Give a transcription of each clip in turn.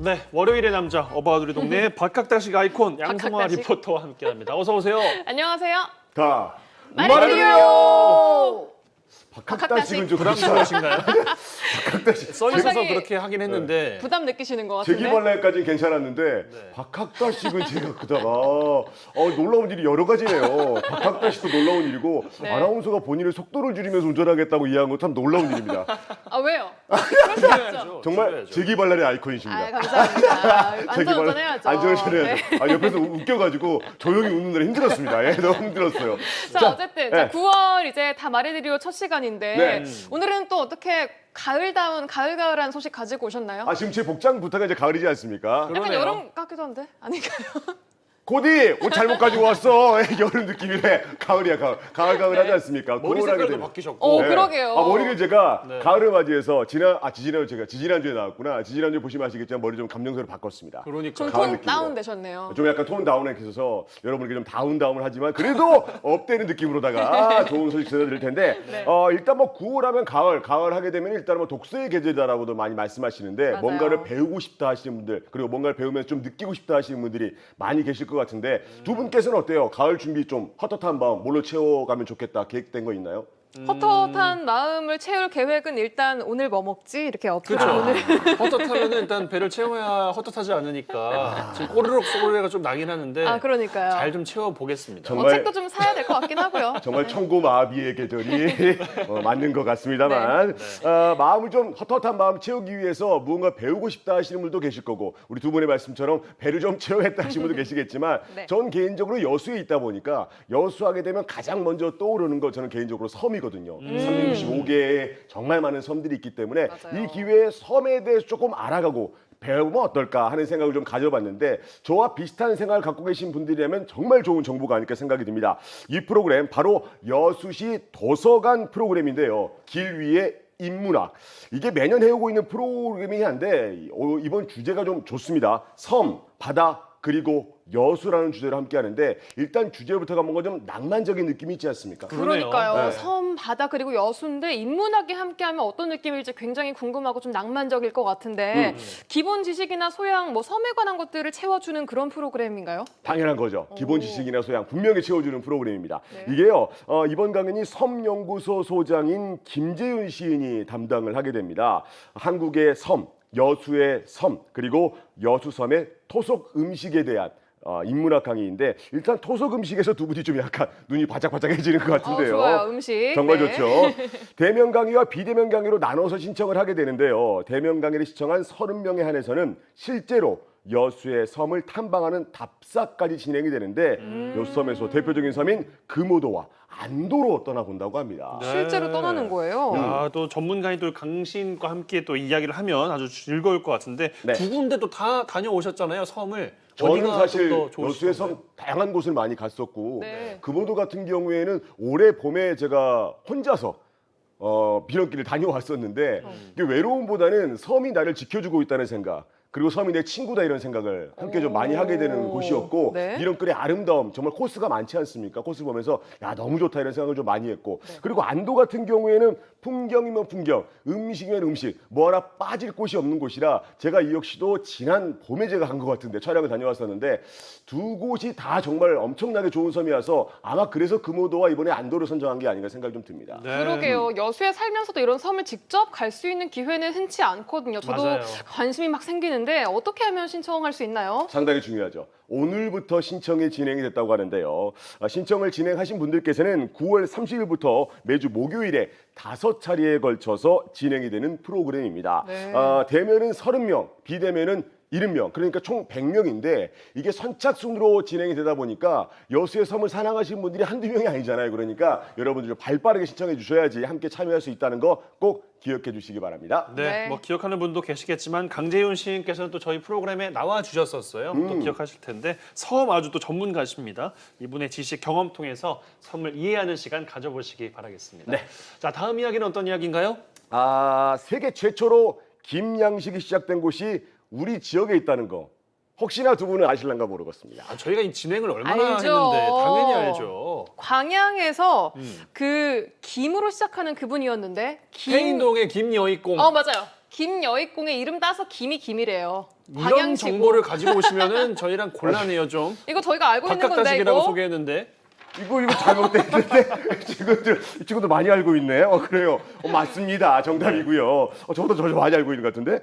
네, 월요일의 남자 어바웃 동네 박학다식 아이콘 양성화 박학다식. 리포터와 함께합니다. 어서 오세요. 안녕하세요. 다 말해드려요. 박학다식은 좀 부담스러우신가요? 박학다식. 써 있어서 상당히 그렇게 하긴 했는데 부담 느끼시는 것 같은데. 제기발랄까지는 괜찮았는데 네. 박학다식은 제가 그다가 놀라운 일이 여러 가지네요. 박학다식도 놀라운 일이고 네. 아나운서가 본인의 속도를 줄이면서 운전하겠다고 이해한 건 참 놀라운 일입니다. 아 왜요? 그럴 수 없죠. 줄여야죠. 정말 줄여야죠. 제기발랄의 아이콘이십니다. 아 감사합니다. 안전 운전해야죠. 안전운전 해야죠. 네. 옆에서 웃겨가지고 조용히 웃느라 힘들었습니다. 예, 너무 힘들었어요. 자 어쨌든 자, 네. 9월 이제 다 말해드리고 첫 시간인데 네. 오늘은 또 어떻게 가을다운 가을가을한 소식 가지고 오셨나요? 지금 제 복장 부터가 이제 가을이지 않습니까? 약간 그러네요. 여름 같기도 한데 아닌가요? 고디 옷 잘못 가지고 왔어. 여름 느낌이래. 가을이야 가을 하지 않습니까? 머리 고울하게 색깔도 되면. 바뀌셨고. 네. 그러게요. 머리를 제가 네. 가을을 맞이해서 지지난주에 나왔구나. 지지난주에 보시면 아시겠지만 머리 좀 감정선을 바꿨습니다. 그러니까 좀 가을 톤 느낌으로. 다운 되셨네요. 좀 약간 톤 다운에 있어서 여러분에게 좀 다운을 하지만 그래도 업되는 느낌으로다가 좋은 소식 전해드릴 텐데 네. 일단 뭐 9월 하면 가을 하게 되면 일단 뭐 독서의 계절이다라고도 많이 말씀하시는데 맞아요. 뭔가를 배우고 싶다 하시는 분들 그리고 뭔가를 배우면서 좀 느끼고 싶다 하시는 분들이 많이 계실 것 같은데 두 분께서는 어때요? 가을 준비 좀 헛헛한 마음 뭘로 채워가면 좋겠다 계획된 거 있나요? 헛헛한 마음을 채울 계획은 일단 오늘 뭐 먹지 이렇게 어플을 그렇죠. 오늘 헛헛하면 일단 배를 채워야 헛헛하지 않으니까 지금 꼬르륵 소리가 좀 나긴 하는데 그러니까요. 잘 좀 채워보겠습니다. 정말- 책도 좀 사야 될 것 같긴 하고요. 정말 천고마비의 계절이 맞는 것 같습니다만 마음을 좀 헛헛한 마음 채우기 위해서 무언가 배우고 싶다 하시는 분도 계실 거고 우리 두 분의 말씀처럼 배를 좀 채워야겠다 하시는 분도 계시겠지만 네. 전 개인적으로 여수에 있다 보니까 여수하게 되면 가장 먼저 떠오르는 거 저는 개인적으로 섬이거든요. 365개의 정말 많은 섬들이 있기 때문에 맞아요. 이 기회에 섬에 대해서 조금 알아가고 배우면 어떨까 하는 생각을 좀 가져봤는데 저와 비슷한 생각을 갖고 계신 분들이라면 정말 좋은 정보가 아닐까 생각이 듭니다. 이 프로그램 바로 여수시 도서관 프로그램인데요. 길 위에 인문학. 이게 매년 해오고 있는 프로그램이긴 한데 이번 주제가 좀 좋습니다. 섬, 바다, 그리고 여수라는 주제로 함께 하는데 일단 주제부터가 뭔가 좀 낭만적인 느낌이 있지 않습니까? 그러네요. 그러니까요. 네. 섬, 바다 그리고 여수인데 인문학이 함께하면 어떤 느낌일지 굉장히 궁금하고 좀 낭만적일 것 같은데 기본 지식이나 소양, 뭐 섬에 관한 것들을 채워주는 그런 프로그램인가요? 당연한 거죠. 기본 지식이나 소양 분명히 채워주는 프로그램입니다. 네. 이게요. 이번 강연이 섬연구소 소장인 김재윤 시인이 담당을 하게 됩니다. 한국의 섬, 여수의 섬, 그리고 여수섬의 토속 음식에 대한 인문학 강의인데 일단 토속 음식에서 두 분이 좀 약간 눈이 바짝바짝해지는 것 같은데요. 좋아요. 음식. 정말 네. 좋죠. 대면 강의와 비대면 강의로 나눠서 신청을 하게 되는데요. 대면 강의를 시청한 30명에 한해서는 실제로 여수의 섬을 탐방하는 답사까지 진행이 되는데 여수섬에서 대표적인 섬인 금오도와 안도로 떠나본다고 합니다. 네. 실제로 떠나는 거예요. 야, 또 전문가인 또 강신과 함께 또 이야기를 하면 아주 즐거울 것 같은데 네. 두 군데 또 다 다녀오셨잖아요, 섬을. 저는 어디가 사실 좀더 좋으셨어요? 여수의 섬 다양한 곳을 많이 갔었고 네. 금오도 같은 경우에는 올해 봄에 제가 혼자서 비런길을 다녀왔었는데 이게 외로움보다는 섬이 나를 지켜주고 있다는 생각 그리고 섬이 내 친구다 이런 생각을 함께 좀 많이 하게 되는 곳이었고 네. 비런길의 아름다움 정말 코스가 많지 않습니까? 코스 보면서 야 너무 좋다 이런 생각을 좀 많이 했고 그리고 안도 같은 경우에는 풍경이면 풍경, 음식이면 음식 뭐 하나 빠질 곳이 없는 곳이라 제가 이 역시도 지난 봄에 제가 간 것 같은데 촬영을 다녀왔었는데 두 곳이 다 정말 엄청나게 좋은 섬이라서 아마 그래서 금오도와 이번에 안도를 선정한 게 아닌가 생각이 좀 듭니다. 네. 그러게요. 여수에 살면서도 이런 섬을 직접 갈 수 있는 기회는 흔치 않거든요. 저도 맞아요. 관심이 막 생기는데 어떻게 하면 신청할 수 있나요? 상당히 중요하죠. 오늘부터 신청이 진행이 됐다고 하는데요. 신청을 진행하신 분들께서는 9월 30일부터 매주 목요일에 5차례에 걸쳐서 진행이 되는 프로그램입니다. 네. 대면은 30명, 비대면은 70명, 그러니까 총 100명인데 이게 선착순으로 진행이 되다 보니까 여수의 섬을 사랑하시는 분들이 한두 명이 아니잖아요. 그러니까 여러분들 좀 발빠르게 신청해 주셔야지 함께 참여할 수 있다는 거 꼭 기억해 주시기 바랍니다. 네, 네. 뭐 기억하는 분도 계시겠지만 강재윤 시인께서는 또 저희 프로그램에 나와 주셨었어요. 또 기억하실 텐데 섬 아주 또 전문가십니다. 이분의 지식 경험 통해서 섬을 이해하는 시간 가져보시기 바라겠습니다. 네. 자, 다음 이야기는 어떤 이야기인가요? 세계 최초로 김양식이 시작된 곳이 우리 지역에 있다는 거 혹시나 두 분은 아실란가 모르겠습니다. 저희가 이 진행을 얼마나 알죠. 했는데 당연히 알죠. 광양에서 그 김으로 시작하는 그분이었는데 태인동의 김여익공. 맞아요. 김여익공의 이름 따서 김이 김이래요. 이런 광양시고. 정보를 가지고 오시면은 저희랑 곤란해요 좀. 이거 저희가 알고 있는 건데 박학다식이라고 이거. 소개했는데. 이거 잘못됐는데 친구들 많이 알고 있네. 그래요. 맞습니다. 정답이고요. 저보다 저 많이 알고 있는 것 같은데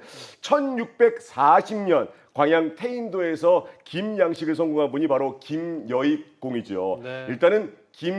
1640년 광양 태인도에서 김양식을 성공한 분이 바로 김여익공이죠. 네. 일단은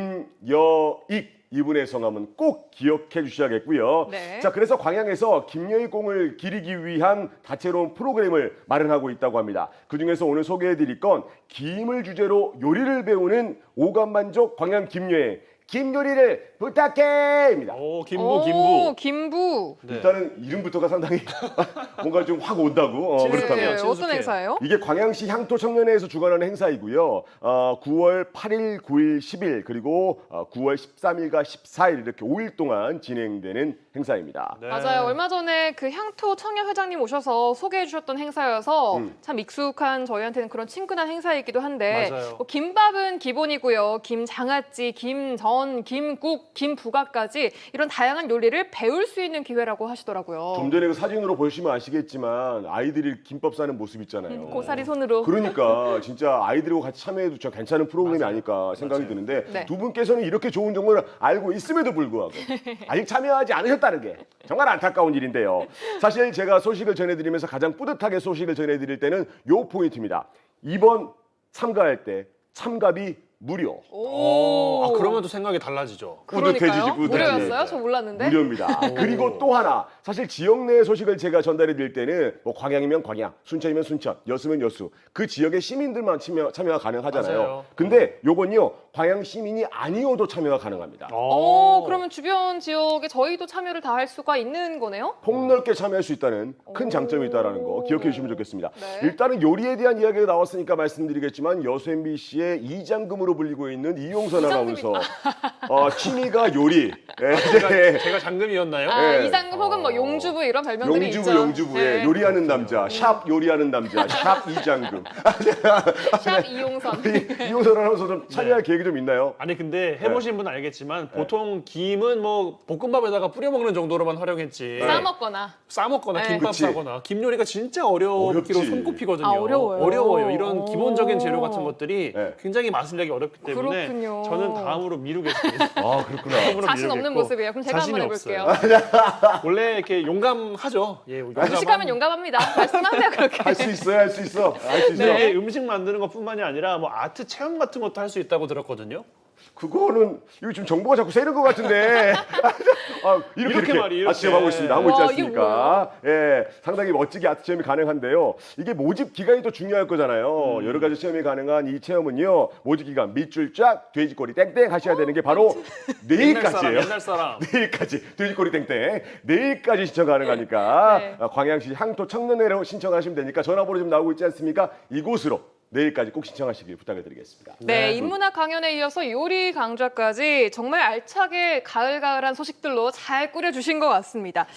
김여익 이분의 성함은 꼭 기억해 주셔야겠고요. 네. 자, 그래서 광양에서 김여익공을 기리기 위한 다채로운 프로그램을 마련하고 있다고 합니다. 그중에서 오늘 소개해 드릴 건 김을 주제로 요리를 배우는 오감만족 광양 김여행 김요리를 부탁해입니다. 오, 김부. 김부. 네. 일단은 이름부터가 상당히 뭔가 좀 확 온다고. 친숙해요. 그렇다면. 어떤 친숙해요. 행사예요? 이게 광양시 향토청년회에서 주관하는 행사이고요. 9월 8일, 9일, 10일 그리고 9월 13일과 14일 이렇게 5일 동안 진행되는 행사입니다. 네. 맞아요. 얼마 전에 그 향토 청년 회장님 오셔서 소개해 주셨던 행사여서 참 익숙한 저희한테는 그런 친근한 행사이기도 한데 맞아요. 뭐 김밥은 기본이고요. 김장아찌, 김전, 김국, 김부각까지 이런 다양한 요리를 배울 수 있는 기회라고 하시더라고요. 좀 전에 그 사진으로 보시면 아시겠지만 아이들이 김밥 싸는 모습 있잖아요. 고사리 손으로. 그러니까 진짜 아이들하고 같이 참여해도 저 괜찮은 프로그램이 맞아요. 아닐까 생각이 맞아요. 드는데 네. 두 분께서는 이렇게 좋은 정보를 알고 있음에도 불구하고 아직 참여하지 않으셨다는 게 정말 안타까운 일인데요. 사실 제가 소식을 전해드리면서 가장 뿌듯하게 소식을 전해드릴 때는 요 포인트입니다. 이번 참가할 때 참가비 무료. 오. 그러면 또 생각이 달라지죠. 그러니까요. 뿌듯해지지. 무료였어요? 저 몰랐는데. 무료입니다. 그리고 또 하나 사실 지역 내 소식을 제가 전달해 드릴 때는 뭐 광양이면 광양, 순천이면 순천, 여수면 여수 그 지역의 시민들만 참여가 가능하잖아요. 맞아요. 근데 요건요 광양 시민이 아니어도 참여가 가능합니다. 그러면 주변 지역에 저희도 참여를 다 할 수가 있는 거네요? 폭넓게 참여할 수 있다는 큰 장점이 있다는 거 기억해 주시면 좋겠습니다. 네. 일단은 요리에 대한 이야기가 나왔으니까 말씀드리겠지만 여수 MBC의 이장금으로 불리고 있는 이용선 아나운서 취미가 요리. 제가 장금이었나요? 네. 이장금 혹은 뭐 용주부 이런 별명들이 있죠. 용주부의 네. 요리하는 남자, 샵 요리하는 남자, 샵 이장금. 샵 이용선. 이용선 아나운서 좀 참여할 계획이 좀 있나요? 아니 근데 해보신 분은 알겠지만 보통 김은 뭐 볶음밥에다가 뿌려 먹는 정도로만 활용했지. 싸먹거나. 싸먹거나 네. 김밥 그치. 싸거나 김 요리가 진짜 어렵기로 어렵지. 손꼽히거든요. 아, 어려워요. 어려워요. 이런 오. 기본적인 재료 같은 것들이 네. 굉장히 맛을 내기 어렵기 때문에 그렇군요. 저는 다음으로 미루겠습니다. 아 그렇구나. 다음으로 자신 없는 미루겠고. 모습이에요. 그럼 제가 자신이 한번 없어요. 해볼게요. 원래 이렇게 용감하죠. 예, 무식하면 용감합니다. 말씀하세요 그렇게. 할 수 있어요, 할 수 있어, 할 수 있어. 네. 음식 만드는 것뿐만이 아니라 뭐 아트 체험 같은 것도 할 수 있다고 들었거든요. 그거는 이거 지금 정보가 자꾸 새는 것 같은데. 이렇게 말이에요, 아트 체험하고 이렇게. 있습니다. 하고 있지 와, 않습니까? 예, 상당히 멋지게 아트 체험이 가능한데요. 이게 모집 기간이 또 중요할 거잖아요. 여러 가지 체험이 가능한 이 체험은요. 모집 기간 밑줄 쫙 돼지꼬리 땡땡 하셔야 되는 게 바로 내일까지예요. 옛날 사람. 내일까지 돼지꼬리 땡땡 내일까지 신청 가능하니까 네. 광양시 향토 청년회로 신청하시면 되니까 전화번호 좀 나오고 있지 않습니까? 이곳으로 내일까지 꼭 신청하시길 부탁드리겠습니다. 네, 인문학 강연에 이어서 요리 강좌까지 정말 알차게 가을가을한 소식들로 잘 꾸려주신 것 같습니다.